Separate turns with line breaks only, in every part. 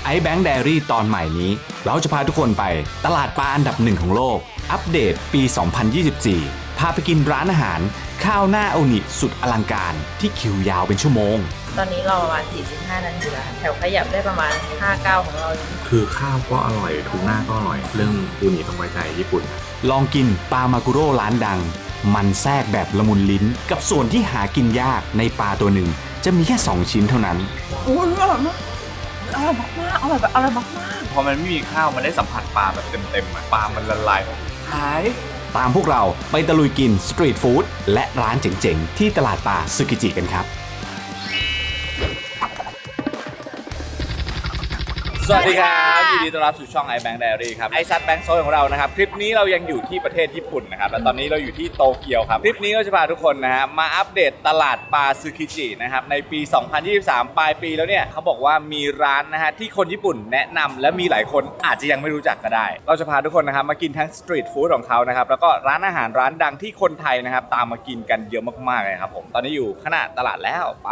iBank Diary ตอนใหม่นี้เราจะพาทุกคนไปตลาดปลาอันดับหนึ่งของโลกอัปเดตปี 2024 พาไปกินร้านอาหารข้าวหน้าโอนิสุดอลังการที่คิวยาวเป็นชั่วโมง
ตอนนี้เราประมาณ45 นาทีแล้วแถวขยับได้ประมาณ5-9ของเรา
คือข้าวก็อร่อยทูน่าก็อร่อยเรื่องอูนิต้องไว้ใจญี่ปุ่น
ลองกินปลามากุโร่ร้านดังมันแทรกแบบละมุนลิ้นกับส่วนที่หากินยากในปลาตัวหนึ่งจะมีแค่2ชิ้นเท่านั้น
อร่อยมากอร่อยมากอร่อยมาก
พอมันไม่มีข้าวมันได้สัมผัสปลาแบบเต็มๆปลามันละลายหาย
ตามพวกเราไปตะลุยกินสตรีทฟู้ดและร้านเจ๋งๆที่ตลาดปลาซึกิจิกันครับ
สวัสดีครับยินดีต้อนรับสู่ช่อง iBank Diary ครับไอซัดแบงค์โซนของเรานะครับคลิปนี้เรายังอยู่ที่ประเทศญี่ปุ่นนะครับและตอนนี้เราอยู่ที่โตเกียวครับคลิปนี้เราจะพาทุกคนนะฮะมาอัปเดตตลาดปลาซึกิจินะครับในปี 2023 ปลายปีแล้วเนี่ยเขาบอกว่ามีร้านนะฮะที่คนญี่ปุ่นแนะนำและมีหลายคนอาจจะยังไม่รู้จักก็ได้เราจะพาทุกคนนะครับมากินทั้งสตรีทฟู้ดของเขานะครับแล้วก็ร้านอาหารร้านดังที่คนไทยนะครับตามมากินกันเยอะมากๆเลยครับผมตอนนี้อยู่ขนาดตลาดแล้วไป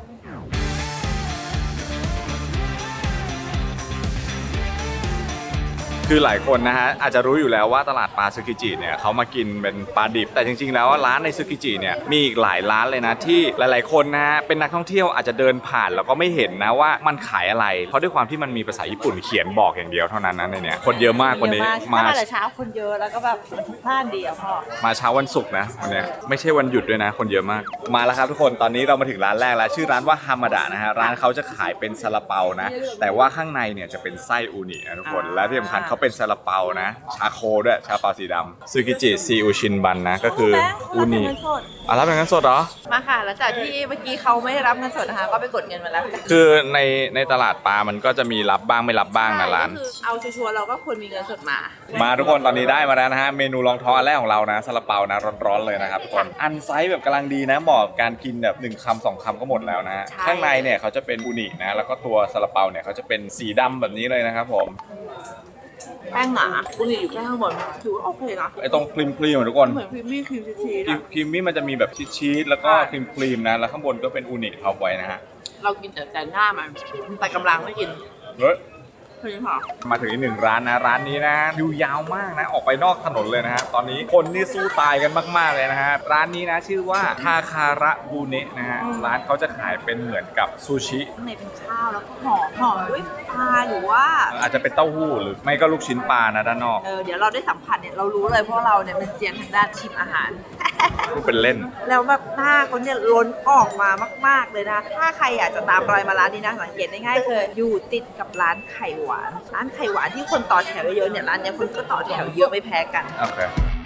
คือหลายคนนะฮะอาจจะรู้อยู่แล้วว่าตลาดปลาซึกิจิเนี่ยเขามากินเป็นปลาดิบแต่จริงๆแล้วร้านในซึกิจิเนี่ยมีอีกหลายร้านเลยนะที่หลายๆคนนะฮะเป็นนักท่องเที่ยวอาจจะเดินผ่านแล้วก็ไม่เห็นนะว่ามันขายอะไรเพราะด้วยความที่มันมีภาษาญี่ปุ่นเขียนบอกอย่างเดียวเท่านั้นนะในเนี้ยคนเยอะมากวันนี้
มาแต่เช้าคนเยอะแล้วก็แบบพลาดดีอ่ะพ่อ
มาเช้าวันศุกร์นะวันนี้ไม่ใช่วันหยุดด้วยนะคนเยอะมากมาแล้วครับทุกคนตอนนี้เรามาถึงร้านแรกแล้วชื่อร้านว่าฮามาดะนะฮะร้านเขาจะขายเป็นซาลาเปานะแต่ว่าข้างในเนี่ยจะเป็นไส้อูนินะทุกคนและที่สำคัญเขาเป็นซาลาเปานะชาโคด้วยชาเปาสีดำซึกิจิซีอูชินบันนะก็คืออูนิรับเงินสดเหรอ
มาค่ะหลังจากที่เมื่อกี้เขาไม่ได้รับเงินสดนะคะก็ไปกดเงินมาแล้ว
คือในตลาดปลามันก็จะมีรับบ้างไม่รับบ้างนะร้าน
เอาชัวร์เราก็ควรมีเงินสด
มาทุกคนตอนนี้ได้มาแล้วนะฮะเมนูรองท้องอันแรกของเรานะซาลาเปานะร้อนๆเลยนะครับทุกคนอันไซส์แบบกำลังดีนะเหมาะการกินแบบ1 คำ 2 คำก็หมดแล้วนะข้างในเนี่ยเขาจะเป็นอูนินะแล้วก็ตัวซาลาเปาเนี่ยเขาจะเป็นสีดำแบบนี้เลยนะครับผม
แป้งหนาอูนิอยู่แค่ข้างบนถือว่าโอเคนะ
ไอตรงครีมทุกคน
เหมือนครีมมี่ครีมชีส
ครีมมี่มันจะมีแบบชีสแล้วก็ครีมนะแล้วข้างบนก็เป็นอูนิท็อปไว้นะฮะ
เรากินแต่หน้ามันแต่กำลังไม่กิน
เฮ้ยมาถึงอีกหนึ่งร้านนะร้านนี้นะคิวยาวมากนะออกไปนอกถนนเลยนะฮะตอนนี้คนนี่สู้ตายกันมากๆเลยนะฮะร้านนี้นะชื่อว่าทาคาระบูเนะนะฮะร้านเขาจะขายเป็นเหมือนกับซูชิ
ข้างในเป็นข้าวแล้วก็ห่อด้วยปลาหรือว่า
อาจจะเป็นเต้าหู้หรือไม่ก็ลูกชิ้นปลานะด้านนอก
เดี๋ยวเราได้สัมผัสเนี่ยเรารู้เลยเพราะเราเนี่ยเป็นเซียนทางด้านชิมอาหาร
พูดเป็นเล่น
แล้วแบบหน้าเขาเนี่ยล้นออกมามากๆเลยนะถ้าใครอยากจะตามรอยมาร้านนี้นะสังเกตได้ง่ายคืออยู่ติดกับร้านไข่หวานร้านไข่หวานที่คนต่อแถวเยอะเนี่ยร้านนี้คนก็ต่อแถวเยอะไม่แพ้กัน
โอเค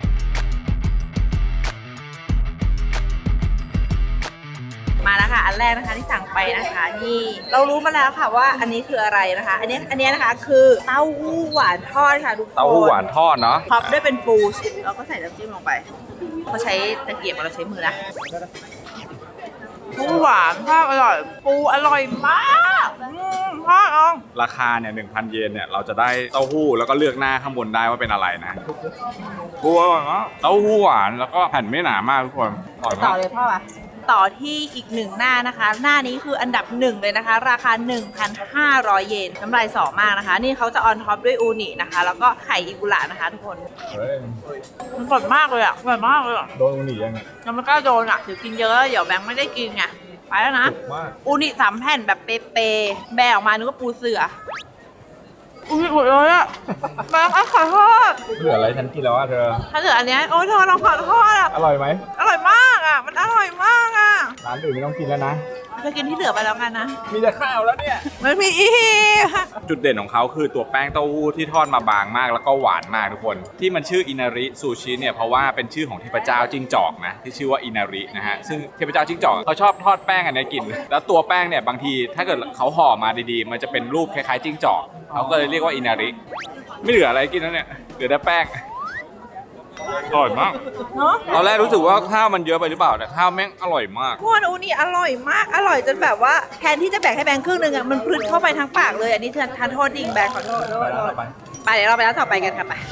มาแล้วค่ะอันแรกนะคะที่สั่งไปนะคะนี่เรารู้มาแล้วค่ะว่าอันนี้คืออะไรนะคะอันนี้นะคะคือเต้าหู้หวานทอดค่ะทุกคน
เต้าหู้หวานทอดเนาะ
ท็อปด้วยเป็นปูแล้วก็ใส่น้ำจิ้มลงไปเขาใช้ตะเกียบเราใช้มือนะปูหวานทอดอร่อยปูอร่อยมากทอด
ราคาเนี่ย 1,000 เยนเนี่ยเราจะได้เต้าหู้แล้วก็เลือกหน้าข้างบนได้ว่าเป็นอะไรนะปูอร่อยมากเต้าหู้หวานแล้วก็แผ่นไม่หนามากทุกคน
ต่อเลยพ่อต่อที่อีก1หน้านะคะหน้านี้คืออันดับ1เลยนะคะราคา 1,500 เยนน้ำลายสอมากนะคะนี่เขาจะออนท็อปด้วยอูนินะคะแล้วก็ไข่อิกุระนะคะทุกคนมันสดมากเลยอ่ะอร่อยมากเลย
โดนอูนิยังไง
ยังไม่กล้าโดนอ่ะถือกินเยอะเดี๋ยวแบงค์ไม่ได้กินไงไปแล้วนะอูนิ3 แผ่นแบบเป๊ะๆแบะออกมานึกว่าปูเสืออุ้ยหมดเลยอะแบงค์ขอโทษ
เหลืออะไรฉันกินแล้วอะเธอ
ถ้าเหลืออันนี้โอ้เธอลองขอโทษอะ
อร่อยไหม
อร่อยมากอะมันอร่อยมากอะ
ร้านอื่นไม่ต้องกินแล้วนะ
จะกินที่เหลือไปแล้วกันนะ
มีแต่ข้าวแล้วเนี่ย
มันมีอี
จุดเด่นของเขาคือตัวแป้งเต้าหู้ที่ทอดมาบางมากแล้วก็หวานมากทุกคนที่มันชื่ออินาริซูชิเนี่ยเพราะว่าเป็นชื่อของเทพเจ้าจิ้งจอกนะที่ชื่อว่าอินารินะฮะซึ่งเทพเจ้าจิ้งจอกเขาชอบทอดแป้งอันนี้กินแล้วตัวแป้งเนี่ยบางทีถ้าเกิดเขาห่อมาดีๆมันจะเป็นรูปคล้ายๆจิ้งจอกเขาก็เลยเรียกว่าอินาริไม่เหลืออะไรกินแล้วเนี่ยเหลือแต่แป้งอร่อยมากตอนแรกรู้สึกว่าข้าวมันเยอะไปหรือเปล่าแต่ข้าวแม่งอร่อยมาก
พวกอูนี่อร่อยมากอร่อยจนแบบว่าแทนที่จะแบ่งให้แบงค์ครึ่งนึงอ่ะมันพลึดเข้าไปทั้งปากเลยอันนี้ทานโทษจริงแบงค์ขอโทษไปเดี๋ยวเราไปร้านต่อไปกันค่ะไป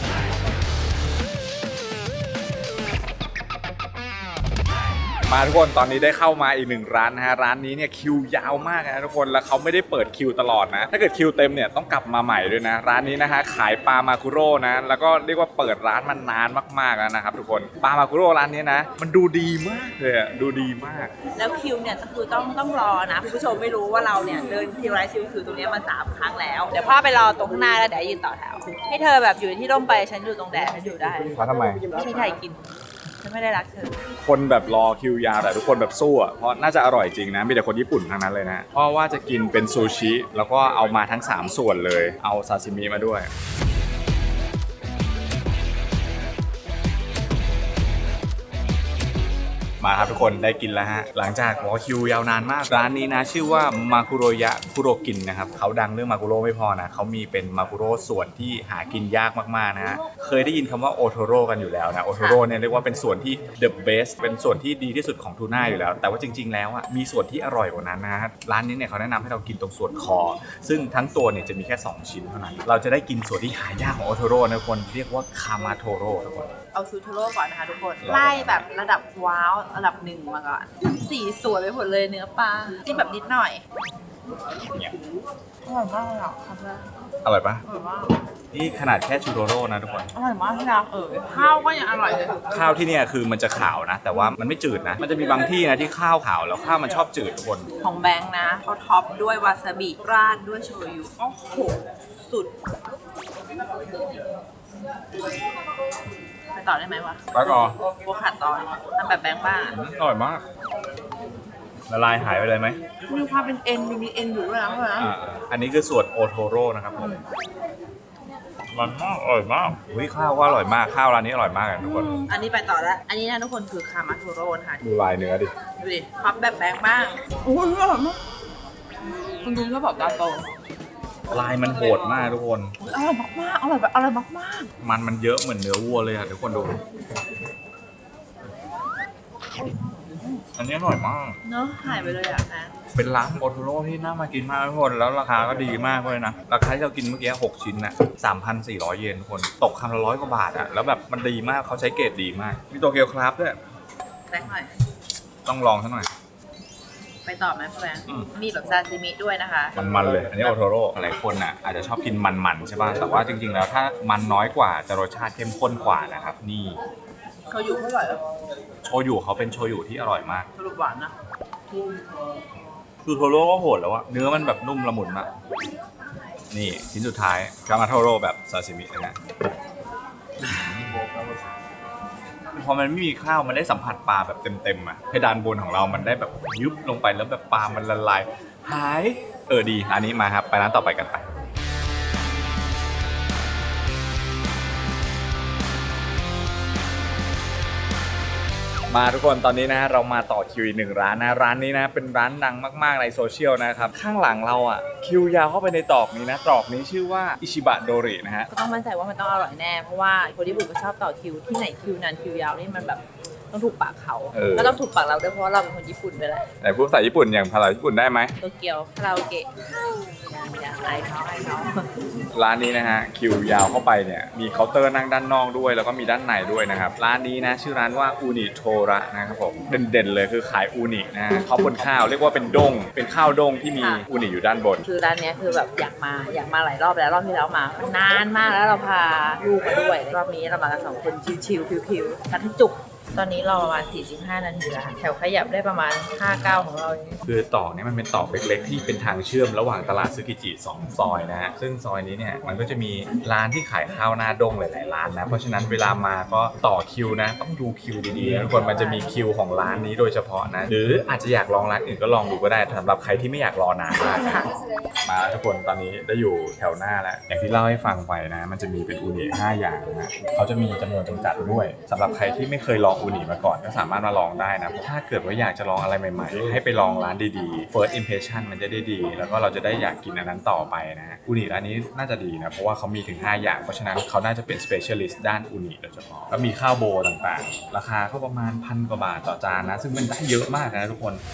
มาทุกคนตอนนี้ได้เข้ามาอีกหนึ่งร้านนะฮะร้านนี้เนี่ยคิวยาวมากนะทุกคนแล้วเขาไม่ได้เปิดคิวตลอดนะถ้าเกิดคิวเต็มเนี่ยต้องกลับมาใหม่ด้วยนะร้านนี้นะฮะขายปลามาคุโร่นะแล้วก็เรียกว่าเปิดร้านมานานมากๆแล้วนะครับทุกคนปลามาคุโร่ร้านนี้นะมันดูดีมากเลยอะดูดีมาก
แล้วคิวเนี่ยก็คือต้องรอนะคุณผู้ชมไม่รู้ว่าเราเนี่ยเดินคิวไลฟ์คิวคือตรงนี้มา3 ครั้งแล้วเดี๋ยวพ่อไปรอตรงข้างหน้าแล้วเดี๋ยวยืนต่อแถวให้เธอแบบอยู่ที่ร่มไปฉันอยู่ตรงแดดฉันอยู่ได้
เพราะทำไม
ไม่มีใครกินฉันไม่ได้รักเธอ
คนแบบรอคิวยาวแต่ทุกคนแบบสู้อ่ะเพราะน่าจะอร่อยจริงนะมีแต่คนญี่ปุ่นทั้งนั้นเลยนะเพราะว่าจะกินเป็นซูชิแล้วก็เอามาทั้ง3ส่วนเลยเอาซาซิมิมาด้วยมาครับทุกคนได้กินแล้วฮะหลังจากรอคิวยาวนานมากร้านนี้นะชื่อว่ามาคุโรยะคุโรกินนะครับเขาดังเรื่องมาคุโร่ไม่พอนะเขามีเป็นมาคุโร่ส่วนที่หากินยากมากๆนะฮะเคยได้ยินคำว่าโอโทโร่กันอยู่แล้วนะโอโทโร่เนี่ยเรียกว่าเป็นส่วนที่ the best เป็นส่วนที่ดีที่สุดของทูน่าอยู่แล้วแต่ว่าจริงๆแล้วอ่ะมีส่วนที่อร่อยกว่านั้นนะฮะร้านนี้เนี่ยเขาแนะนำให้เรากินตรงส่วนคอซึ่งทั้งตัวเนี่ยจะมีแค่2ชิ้นเท่านั้นเราจะได้กินส่วนที่หายากของโอโทโร่นะทุกคนเรียกว่าคามาโทโร่ทุกคน
เอาชูโทโร่ก่อนนะคะทุกคนไล่แบบระดับว้าวระดับ1มาก่อนสีสวยไปหมดเลยเนื้อปลาจิ้มแบบนิดหน่อยอร่อยมากเลยอ่ะครับแม่
อร่อยปะ
อร่อยมาก
นี่ขนาดแค่ชูโทโร่นะทุกคน
อร่อยมากที่รักข้าวก็ยังอร่อยเลย
ข้าวที่เนี่ยคือมันจะขาวนะแต่ว่ามันไม่จืดนะมันจะมีบางที่นะที่ข้าวขาวแล้วข้าวมันชอบจืดทุกคน
ของแบงค์นะเขาท็อปด้วยวาซาบิราดด้วยโชยุโอ้โหสุดไปต่อได้ไหมวะ
ไปก่อน
โบขาดตอนทำแบบแบงค์บ้าง
อร่อยมากละลายหายไปเลยไหม
มีความเป็นเอ็นมีเอ็นอยู่ด้วยนะ
อันนี้คือส่วนโอโทโร่นะครับผมมันมากอร่อยมากข้าวก็อร่อยมากข้าวร้านนี้อร่อยมากทุกคน
อันนี้ไปต่อแล้วอันนี้นะทุกคนคือคามาโทโร่นะคะ
ดูลายเนื้อดิ
ดูดิพับแบบแบงค์บ้างโอ้ยอร่อยมากคุณดูก็บอกตาโต
ลายมันโหดมากทุกคน
อร่อยมากๆอร่อยแบบอร่อยมาก
ๆมันเยอะเหมือนเนื้อวัวเลยค่ะทุกคนดูอันนี้อร่อยมาก
เนอะหายไปเลยอ่ะนะ
เป็นร้านโอโทโร่ที่น่ามากินมากทุกคนแล้วราคาก็ดีมากเลยนะราคาที่เรากินเมื่อกี้6ชิ้นนะ 3,400 เยนทุกคนตกคำละ100 กว่าบาทอ่ะแล้วแบบมันดีมากเขาใช้เกรดดีมากมีโตเกียวคราฟด้วย
แรงหน่อย
ต้องลองซะหน่อย
ไปต่อไหมแฟนมีแบบซาซิมิด้วยนะคะ
มันเลยอันนี้โอโทโร่หลายคนอ่ะอาจจะชอบกินมันใช่ป่ะแต่ว่าจริงๆแล้วถ้ามันน้อยกว่าจะรสชาติเข้มข้นกว่านะครับนี่
โชยุเท่าไหร่
โชยุเขาเป็นโชยุที่อร่อยมาก
สรุปหวานนะ
คือโทโร่ก็โหดแล้วอะเนื้อมันแบบนุ่มละมุนมากนี่ชิ้นสุดท้ายคามาโทโร่แบบซาซิมินะพอมันไม่มีข้าวมันได้สัมผัสปลาแบบเต็มๆอะเพดานบนของเรามันได้แบบยุบลงไปแล้วแบบปลามันละลายหายดีอันนี้มาครับไปร้านต่อไปกันไปมาทุกคนตอนนี้นะเรามาต่อคิวอีก1ร้านนะร้านนี้นะเป็นร้านดังมากๆในโซเชียลนะครับข้างหลังเราอ่ะคิวยาวเข้าไปในตรอกนี้นะตรอกนี้ชื่อว่าอิชิบะโดรินะฮะ
ก็ต้องมั่นใจว่ามันต้องอร่อยแน่เพราะว่าคนญี่ปุ่นก็ชอบต่อคิวที่ไหนคิวนานคิวยาวนี่มันแบบต้องถูกปากเขาก็ต้องถูกปากเราด้วยเพราะเราเป็นคนญี่ปุ่นด้วยแหละ
ไหนพูดภาษาญี่ปุ่นอย่างภาษาญี่ปุ่นได้ไหม
โตเกียวคาราโอเกะไอเขา
ร้านนี้นะฮะคิวยาวเข้าไปเนี่ยมีเคาน์เตอร์นั่งด้านนอกด้วยแล้วก็มีด้านในด้วยนะครับร้านนี้นะชื่อร้านว่าอูนิโทระนะครับผมเด่นๆเลยคือขายอูนินะเขาบนข้าวเรียกว่าเป็นด้งเป็นข้าวด้งที่มีอูนิอยู่ด้านบน
คือร้านนี้คือแบบอยากมาหลายรอบแล้วรอบที่แล้วมามันนานมากแล้วเราพาลูกมาด้วยรอบนี้เรามากัน2 คนชิวๆพิวๆกันให้จุกตอนนี้เราประมาณ45 นาทีแล้วแถวขยับได้ประมาณ5-9ของเรา
คือต่อเนี่ยมันเป็นต่อเล็กๆที่เป็นทางเชื่อมระหว่างตลาดซึกิจิ2 ซอยนะฮะซึ่งซอยนี้เนี่ยมันก็จะมีร้านที่ขายข้าวหน้าด้งหลายๆร้านนะเพราะฉะนั้นเวลามาก็ต่อคิวนะต้องดูคิวดีๆทุกคนมันจะมีคิวของร้านนี้โดยเฉพาะนะหรืออาจจะอยากลองร้านอื่นก็ลองดูก็ได้สำหรับใครที่ไม่อยากรอนานมากมาทุกคนตอนนี้ได้อยู่แถวหน้าแล้วอย่างที่เล่าให้ฟังไปนะมันจะมีเป็นอูนิ5 อย่างนะเขาจะมีจำนวนจำกัดด้วยสำหรับใครที่ไม่เคยลองอูนิมาก่อนก็สามารถมาลองได้นะถ้าเกิดว่าอยากจะลองอะไรใหม่ๆให้ไปลองร้านดีๆ first impression มันจะได้ดีแล้วก็เราจะได้อยากกินอันนั้นต่อไปนะอูนิร้านนี้น่าจะดีนะเพราะว่าเขามีถึง5 อย่างเพราะฉะนั้นเขาน่าจะเป็น specialist ด้านอูนิโดยเฉพาะแล้วมีข้าวโบต่างๆราคาก็ประมาณ1,000 กว่าบาทต่อจานนะซึ่งมันได้เยอะมากนะทุกคน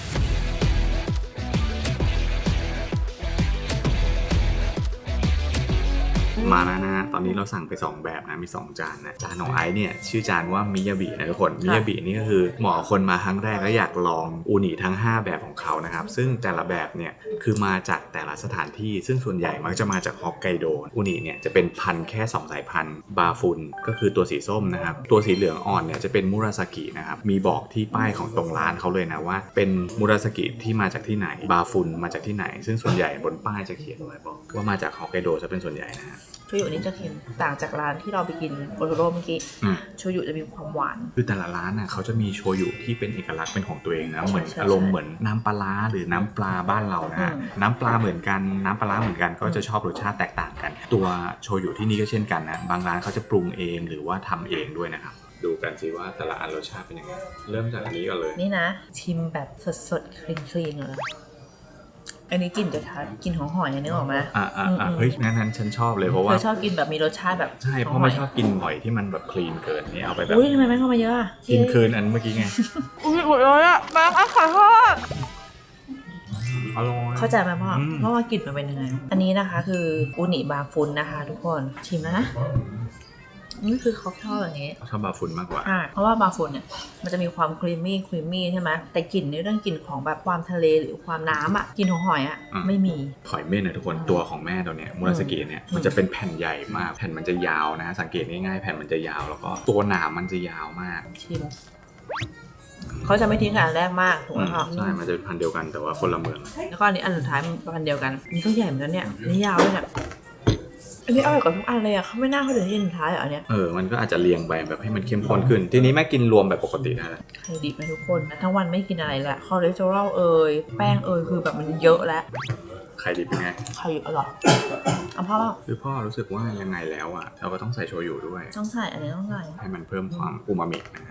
มาแล้วนะฮะตอนนี้เราสั่งไป2แบบนะมี2จานนะจานของไอซ์เนี่ยชื่อจานว่ามิยาบินะทุกคนมิยาบินี่ก็คือเหมาะคนมาครั้งแรกแล้วอยากลองอูนิทั้ง5แบบของเขานะครับซึ่งแต่ละแบบเนี่ยคือมาจากแต่ละสถานที่ซึ่งส่วนใหญ่มักจะมาจากฮอกไกโดอูนิเนี่ยจะเป็นพันธุ์แค่2สายพันธุ์บาฟุนก็คือตัวสีส้มนะครับตัวสีเหลืองอ่อนเนี่ยจะเป็นมุราซากินะครับมีบอกที่ป้ายของตรงร้านเขาเลยนะว่าเป็นมุราซากิที่มาจากที่ไหนบาฟุนมาจากที่ไหนซึ่งส่วนใหญ่บนป้ายจะเขียนไว้บอกว่ามาจากฮอกไกโดจะเป็นส่วนใหญ่นะฮะ
โชยุนี่จะเค็มต่างจากร้านที่เราไปกินโอโทโร่เมื่อกี้โชยุจะมีความหวาน
คือแต่ละร้านน่ะเขาจะมีโชยุที่เป็นเอกลักษณ์เป็นของตัวเองนะเหมือน
ใช่
อารมณ์เหมือนน้ำปลาร้าหรือน้ำปลาบ้านเรานะฮะน้ำปลาเหมือนกันน้ำปลาร้าเหมือนกันก็จะชอบรสชาติแตกต่างกัน ตัวโชยุที่นี่ก็เช่นกันนะบางร้านเขาจะปรุงเองหรือว่าทำเองด้วยนะครับดูกันสิว่าแต่ละอันรสชาติเป็นยังไงเริ่มจากอันนี้ก่อนเลย
นี่นะชิมแบบสดๆคลีนๆเลยอันนี้กลิ่นจะชัดกลิ่นของหอยนึกออกไหม
เฮ้ยนั้นฉันชอบเลยเพราะว่า
ชอบกินแบบมีรสชาติแบบ
ใช่เพราะไม่ชอบกินหอยที่มันแบบคลีนเกินนี่เอาไปแบบ
อุ้ยทำไมไม่เข้ามาเยอะ
กินคืนอันเมื่อกี้ไง
อุ้ยหมดเลยอ่ะแม่ขอโทษ
อร่อย
เข้าใจไหมพ่อว่ากลิ่นมันเป็นยังไงอันนี้นะคะคืออูนิบาฟุนนะคะทุกคนชิมแล้วนะนี่คือเขาชอบอย่างนี้
ชอบบาฟุนมากกว่า
เพราะว่าบาฟุนเนี่ยมันจะมีความครีมมี่ใช่ไหมแต่กลิ่นในเรื่องกลิ่นของแบบความทะเลหรือความน้ำอ่ะกลิ่นของหอยอ่ะไม่มี
หอยเม่นนะทุกคนตัวของแม่ตัวเนี้ยมุราสกิเนี่ยมันจะเป็นแผ่นใหญ่มากแผ่นมันจะยาวนะสังเกตง่ายๆแผ่นมันจะยาวแล้วก็ตัวหนามมันจะยาวมาก
ชิมเขาจะไม่ทิ้งกันอันแรกมากถูกไหมคะ
ใช่มันจะเป็นพันธุ์เดียวกันแต่ว่าคนละเมือง
แล้วก็อันนี้อันสุดท้ายมันพันธุ์เดียวกันนี่ก็ใหญ่เหมือนกันเนี่ยนี่ยาวเลยเนี่ยอันนี้อร่อยกว่าทุกอันเลยอ่ะเขาไม่น่าเขาถึงที่สุดท้ายอ่ะอันเนี้ย
มันก็อาจจะเรียงไปแบบให้มันเข้มข้นขึ้นทีนี้แม่กินรวมแบบปกติได้แล้ว
ไข่ดิบนะทุกคนทั้งวันไม่กินอะไรแหละคอเลสเตอรอลแป้งคือแบบมันเยอะแล้ว
ไข่ดิบเป็นไง
ไข่ดิบอร่อยเอาพ่อ
คือพ่อรู้สึกว่ายังไงแล้วอ่ะเราก็ต้องใส่โชยุด้วย
ต้องใส่อันนี้ต้องใส่
ให้มันเพิ่มความอูมามินะ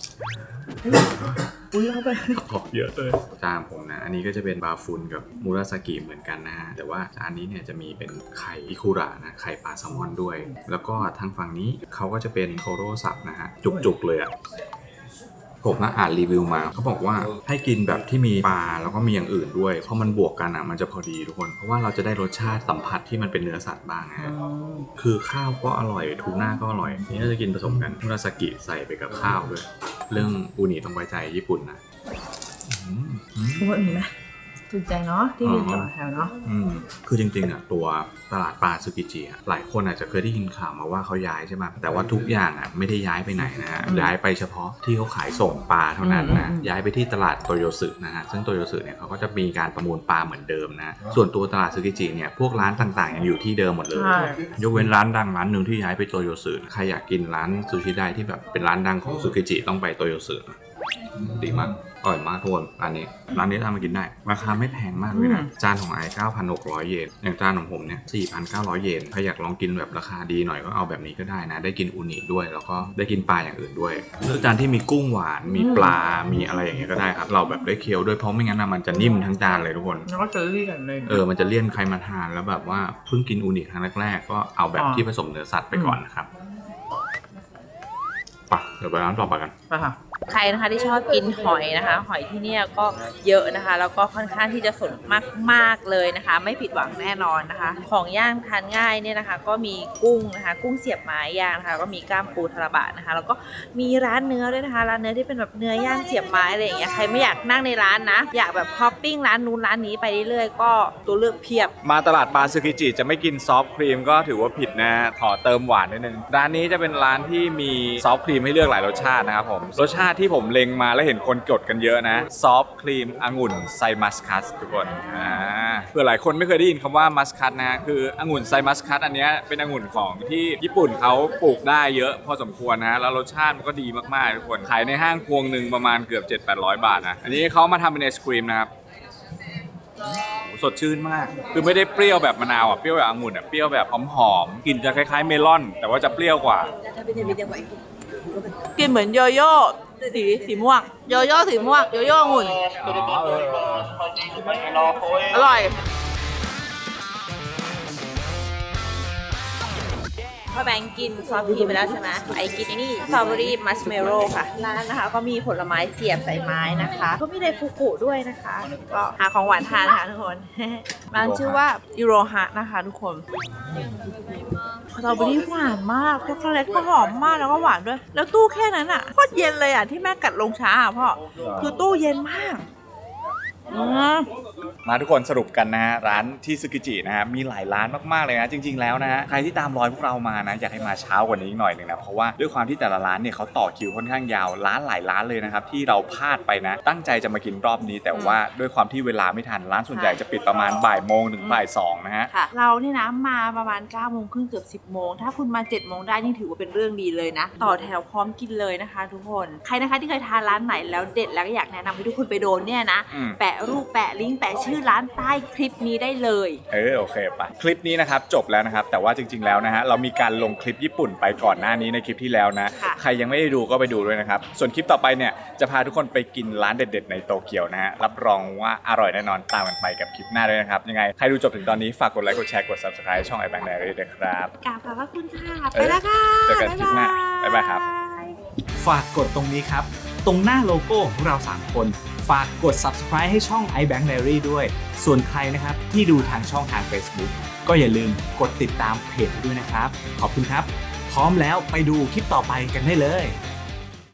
อุ้ยเข้าไป
ขอบเยอะเลยจานผมนะอันนี้ก็จะเป็นบาฟุนกับมุราซากิเหมือนกันนะแต่ว่าจานนี้เนี่ยจะมีเป็นไข่อิคุระนะไข่ปลาแซลมอนด้วยแล้วก็ทางฝั่งนี้เขาก็จะเป็นโทโร่สับนะฮะจุกๆเลยอ่ะผมอ่านรีวิวมาเขาบอกว่าให้กินแบบที่มีปลาแล้วก็มีอย่างอื่นด้วยเพราะมันบวกกันมันจะพอดีทุกคนเพราะว่าเราจะได้รสชาติสัมผัสที่มันเป็นเนื้อสัตว์บ้างนะคือข้าวก็อร่อยทูน่าก็อร่อยนี่เราจะกินผสมกันมุราซากิใส่ไปกับข้าวด้วยเรื่องอูนิต้องไว้ใจญี่ปุ่นนะ
รู้ว่ามีไหมถูกใจเนาะที่ยืนต่อแถวเนาะ
คือจริงๆอ่ะตัวตลาดปลาซึกิจิหลายคนอาจจะเคยได้ยินข่าวมาว่าเขาย้ายใช่ไหมแต่ว่าทุกอย่างอ่ะไม่ได้ย้ายไปไหนนะฮะย้ายไปเฉพาะที่เขาขายส่งปลาเท่านั้นนะย้ายไปที่ตลาดโตโยสึนะฮะซึ่งโตโยสึเนี่ยเขาก็จะมีการประมูลปลาเหมือนเดิมนะส่วนตัวตลาดซึกิจิเนี่ยพวกร้านต่างๆยังอยู่ที่เดิมหมดเลยยกเว้นร้านดังร้านหนึ่งที่ย้ายไปโตโยสึใครอยากกินร้านซูชิได้ที่แบบเป็นร้านดังของซึกิจิต้องไปโตโยสึดีมากอร่อยมากทุกคนร้านนี้ทำมากินได้ราคาไม่แพงมากเลยนะจานของไอ 9,600 เยนอย่างจานของผมเนี่ย 4,900 เยนใครอยากลองกินแบบราคาดีหน่อยก็เอาแบบนี้ก็ได้นะได้กินอูนิด้วยแล้วก็ได้กินปลาอย่างอื่นด้วยเลือกจานที่มีกุ้งหวานมีปลามีอะไรอย่างเงี้ยก็ได้ครับเราแบบได้เคี้ยวด้วยเพราะไม่งั้นมันจะนิ่มทั้งจานเลยทุกคน
แล้วก็จะเลี่ยนเลย
มันจะเลี่ยนใครมาทานแล้วแบบว่าเพิ่งกินอูนิครั้งแรกๆก็เอาแบบที่ผสมเนื้อสัตว์ไปก่อนนะครับไปเดี๋ยวไปร้านต่อไปกัน
ไปค่ะใครนะคะที่ชอบกินหอยนะคะหอยที่นี่ก็เยอะนะคะแล้วก็ค่อนข้างที่จะสดมากๆเลยนะคะไม่ผิดหวังแน่นอนนะคะของย่างทานง่ายเนี่ยนะคะก็มีกุ้งนะคะกุ้งเสียบไม้ย่างนะคะก็มีก้ามปูทาราบะนะคะแล้วก็มีร้านเนื้อด้วยนะคะร้านเนื้อที่เป็นแบบเนื้อย่างเสียบไม้อะไรอย่างเงี้ยใครไม่อยากนั่งในร้านนะอยากแบบฮอปปิ้งร้านนู้นร้านนี้ไปเรื่อยๆก็ตัวเลือกเพียบ
มาตลาดปลาซึกิจิจะไม่กินซอฟต์ครีมก็ถือว่าผิดนะขอเติมหวานนิดนึงร้านนี้จะเป็นร้านที่มีซอฟต์ครีมให้เลือกหลายรสชาตินะครับผมรสชาติที่ผมเล็งมาแล้วเห็นคนกดกันเยอะนะซอฟต์ครีมองุ่นไซมัสคัสทุกคนเพื่อหลายคนไม่เคยได้ยินคำว่ามัสคัสนะคือองุ่นไซมัสคัสอันนี้เป็นองุ่นของที่ญี่ปุ่นเขาปลูกได้เยอะพอสมควรนะแล้วรสชาติมันก็ดีมากๆทุกคนขายในห้างพวงหนึ่งประมาณเกือบ 700-800 บาทนะอันนี้เขามาทำเป็นไอศครีมนะครับสดชื่นมากคือไม่ได้เปรี้ยวแบบมะนาวเปรี้ยวแบบองุ่นเปรี้ยวแบบหอมๆกลิ่นจะคล้ายๆเมลอนแต่ว่าจะเปรี้ยวกว่า
กินเหมือนโยโย่สีม่วงโยโย่สีม่วงโยโย่องุ่นอร่อยพ่อแบงค์กินซอฟต์ครีมไปแล้วใช่ไหมไอกินนี่สตรอเบอรี่มัชเมลโล่ค่ะร้านนะคะก็มีผลไม้เสียบใส่ไม้นะคะก็มีไดฟูกุด้วยนะคะก็หาของหวานทานนะคะทุกคน ร้านชื่อว่ายูโรฮะนะคะทุกคนสตรอเบอรี่หวานมากช็อกโกแลตก็หอมมากแล้วก็หวานด้วยแล้วตู้แค่นั้นอ่ะโคตรเย็นเลยอ่ะที่แม่กัดลงช้าอ่ะพ่อคือตู้เย็นมาก
มาทุกคนสรุปกันนะฮะร้านที่ซึกิจินะฮะมีหลายร้านมากๆเลยนะจริงๆแล้วนะฮะใครที่ตามรอยพวกเรามานะอยากให้มาเช้ากว่านี้หน่อยหนึ่งนะเพราะว่าด้วยความที่แต่ละร้านเนี่ยเขาต่อคิวค่อนข้างยาวร้านหลายร้านเลยนะครับที่เราพลาดไปนะตั้งใจจะมากินรอบนี้แต่ว่าด้วยความที่เวลาไม่ทันร้านส่วนใหญ่จะปิดประมาณบ่ายโมงถึงบ่ายสองนะฮะ
เราเนี่ยนะมาประมาณ9 โมงครึ่งเกือบ10 โมงถ้าคุณมา7 โมงได้นี่ถือว่าเป็นเรื่องดีเลยนะต่อแถวพร้อมกินเลยนะคะทุกคนใครนะคะที่เคยทานร้านไหนแล้วเด็ดแล้วก็อยากแนะนำให้ทุกคนไปโดนเนี่ยนะแปะรูปแปะลิงก์แปะชื่อร้านใต้คลิปนี้ได้เลย
โอเคไปคลิปนี้นะครับจบแล้วนะครับแต่ว่าจริงๆแล้วนะฮะเรามีการลงคลิปญี่ปุ่นไปก่อนหน้านี้ในคลิปที่แล้วนะใครยังไม่ได้ดูก็ไปดูด้วยนะครับส่วนคลิปต่อไปเนี่ยจะพาทุกคนไปกินร้านเด็ดๆในโตเกียวนะฮะรับรองว่าอร่อยแน่นอนตามกันไปกับคลิปหน้าด้วยนะครับยังไงใครดูจบถึงตอนนี้ฝากกดไลค์กดแชร์กด Subscribe ช่อง iBank Diary ด้วยครับ
กราบขอบพระคุณค่ะไปแล้วค่ะ
เจอกันคลิปหน้าบ๊ายบายครับ
ฝากกดตรงนี้ครับตรงหน้าโลโก้ของเรา3คนฝากกด Subscribe ให้ช่อง iBank Diary ด้วยส่วนใครนะครับที่ดูทางช่องทาง Facebook ก็อย่าลืมกดติดตามเพจด้วยนะครับขอบคุณครับพร้อมแล้วไปดูคลิปต่อไปกันได้เลย